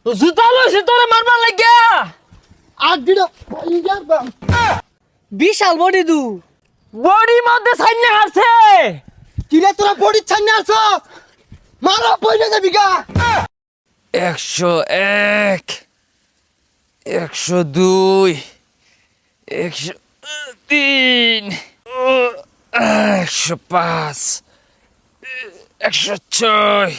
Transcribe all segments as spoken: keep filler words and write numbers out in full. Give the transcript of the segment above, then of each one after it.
জুতা লইছে তোরে মারবার লাগিয়া। আর দিটা বিশাল বডি দু বডি মধ্যে সাইনে হারছে। কিরে তোরা বডি ছাড়নে আসছ মারা পয়সা যাবি গা। একশো এক, একশো দুই, একশো তিন, একশো পাঁচ, একশো ছয়।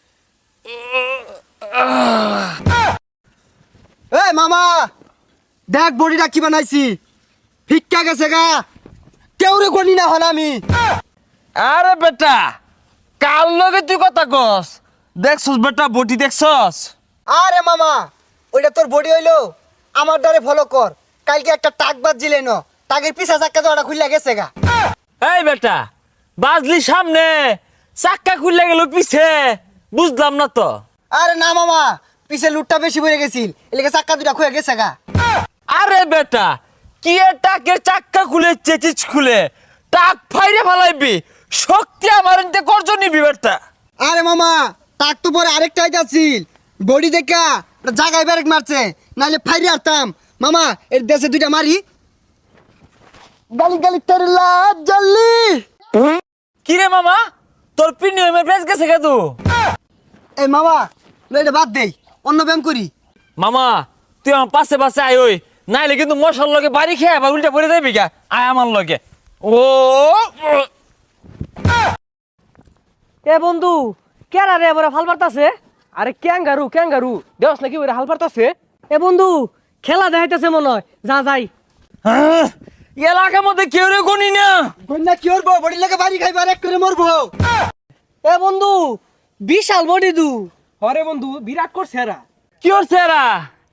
এই মামা দেখ বডিটা কি বানাইছি, ফিক্কা গেছে গা, কেউ রে গনি না হল আমি। আরে বেটা কাল লগে তুই কথা কস, দেখছস বেটা বডি দেখছস? আরে মামা ওইটা তোর বডি হইলো, আমার দ্বারে ফলো কর। কালকে একটা টাক বাজ দিলে ন, টাকের পিছা চাক্কা তো ওটা খুললা গেছে গা। এই বেটা বাজলি সামনে, চাক্কা খুললে গেল পিছে, বুঝলাম না তো। আরে না মামা, পিছে লুটটা বেশি পড়ে গেছিল, এলাকা চাক্কা দুটা খুলে গেছে গা। আরে বেটা কি এর টাকের চাক্কা খুলে চেচিস খুলে টাক ফাইরে ফেলাইবি, শক্তি আমার এনতে করজ নিবি বেটা। আরে মামা টাক তো পরে আরেকটা আইতাছিল, বডি দেখা ওটা জাগায় ব্যারেক মারছে, নাহলে ফাইরে আরতাম। মামা এর দেশে দুইটা মারি, গালি গালি তেরে লাজ জ্বললি। কি রে মামা তোর প্রিমিয়ামের প্রাইস গেছে কে তু? এই মামা লো এটা বাদ দেই, অন্য ব্যায়াম করি। মামা তুই আমার পাশে পাশে আয়, ওই নাইলে কিন্তু মশার লগে বাড়ি খেয়ে আবার উল্টা পড়ে যাবি গা। আয় আমার লগে। ও এ বন্ধু কেরা রে এবারে হাল পারতাছে। আরে ক্যাঙ্গারু ক্যাঙ্গারু দেওস নাকি ওরে হাল পারতাছে। এ বন্ধু খেলা দেখাইতেছে মনে হয়, যা যাই। হ্যাঁ, এলাকার মধ্যে কেউ রে গনি না। কন্যা কি করবো, বডি লাগে বাড়ি খাইবার এক করে মরবো। এ বন্ধু বিশাল বডি দু হরে বন্ধু বিরাট করছে এরা। কি হচ্ছে এরা?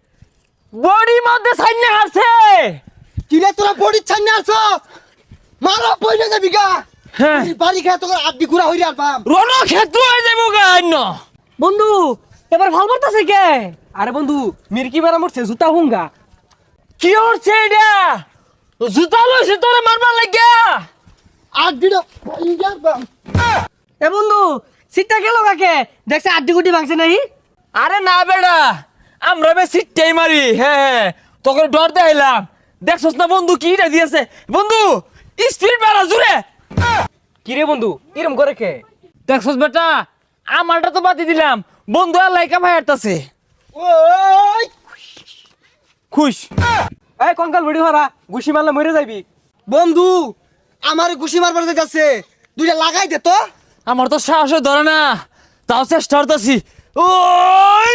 বডি মধ্যে সাইনে হারছে। কিরে তোরা বডি ছাড়নে আসছ মারা পয়সা যাবি গা। হ্যাঁ বাড়ি খাই তোর আড্ডি ঘুরা হইরে আরবাম। রণক্ষেত্র হয়ে যাবো গা অন্য। বন্ধু এবার ভাল পারতাছে কে? আরে বন্ধু মির্কি বেড়া মরছে জুতা হুঙ্গা। কি হচ্ছে এটা? জুতা লইছে তোরে মারবার লাগিয়া। আড্ডিটা হইরে আরবাম। এ বন্ধু সিটটা গেল কাকে, দেখছে আড্ডি গুটি ভাঙছে নাই। আরে না বেড়া আমরা বে সিটটাই মারি। হ্যাঁ হ্যাঁ তোকে ডর দেখাইলাম, দেখছস না বন্ধু কিটা দিয়েছে। বন্ধু স্পিড বাড়া জুড়ে। কিরে বন্ধু এরম করে কে? দেখছস বেটা আমারটা তো বাতি দিলাম, বন্ধু আর লাইকা ভাই হাঁটতাছে। ওই খুশ এই কঙ্কাল ভিডিও হারা ঘুষি মারলে মরে যাবি। বন্ধু আমার ঘুষি মারবার যাইতাছে, দুইটা লাগাই দে তো। আমার তো সাহস ধরে না, তাও চেষ্টা করতেছি। ওই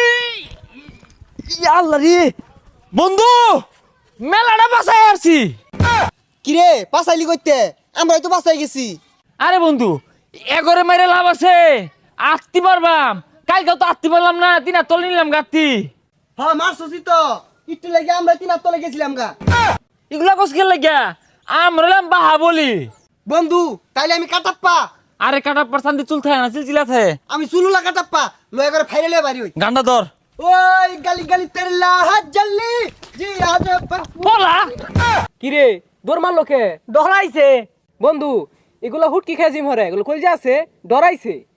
আল্লাহ রে বন্ধু মেলাটা বাসায় আসছি। কিরে পাসাইলি কইতে, আমরাই তো বাসাই গেছি। আরে বন্ধু এগরে মেরে লাভ আছে, আত্তি পারবাম। কালকে তো আত্তি পারলাম না, তিন হাত তলে নিলাম গাত্তি। হ্যাঁ মারছসি তো, একটু লাগে আমরা তিন হাত তলে গেছিলাম গা। এগুলা কস খেল লাগিয়া আমরা এলাম বাহা বলি। বন্ধু তাইলে আমি কাটাপ্পা, আরে কাটা পার্সান্তি চুল থাকে না চিলচিলা থাকে। আমি চুলুলা কাটাপ্পা লয়ে করে ফাইরে লয়ে বাড়ি হই। গান্ডা ধর ওই গালি গালি তেরে লাহাজ জ্বললি জি আজ বলা। কিরে দৌড় মারলো কে? ডরাইছে বন্ধু, এগুলা হুটকি খেয়ে জিম হরে, এগুলো কই যে আছে ডরাইছে।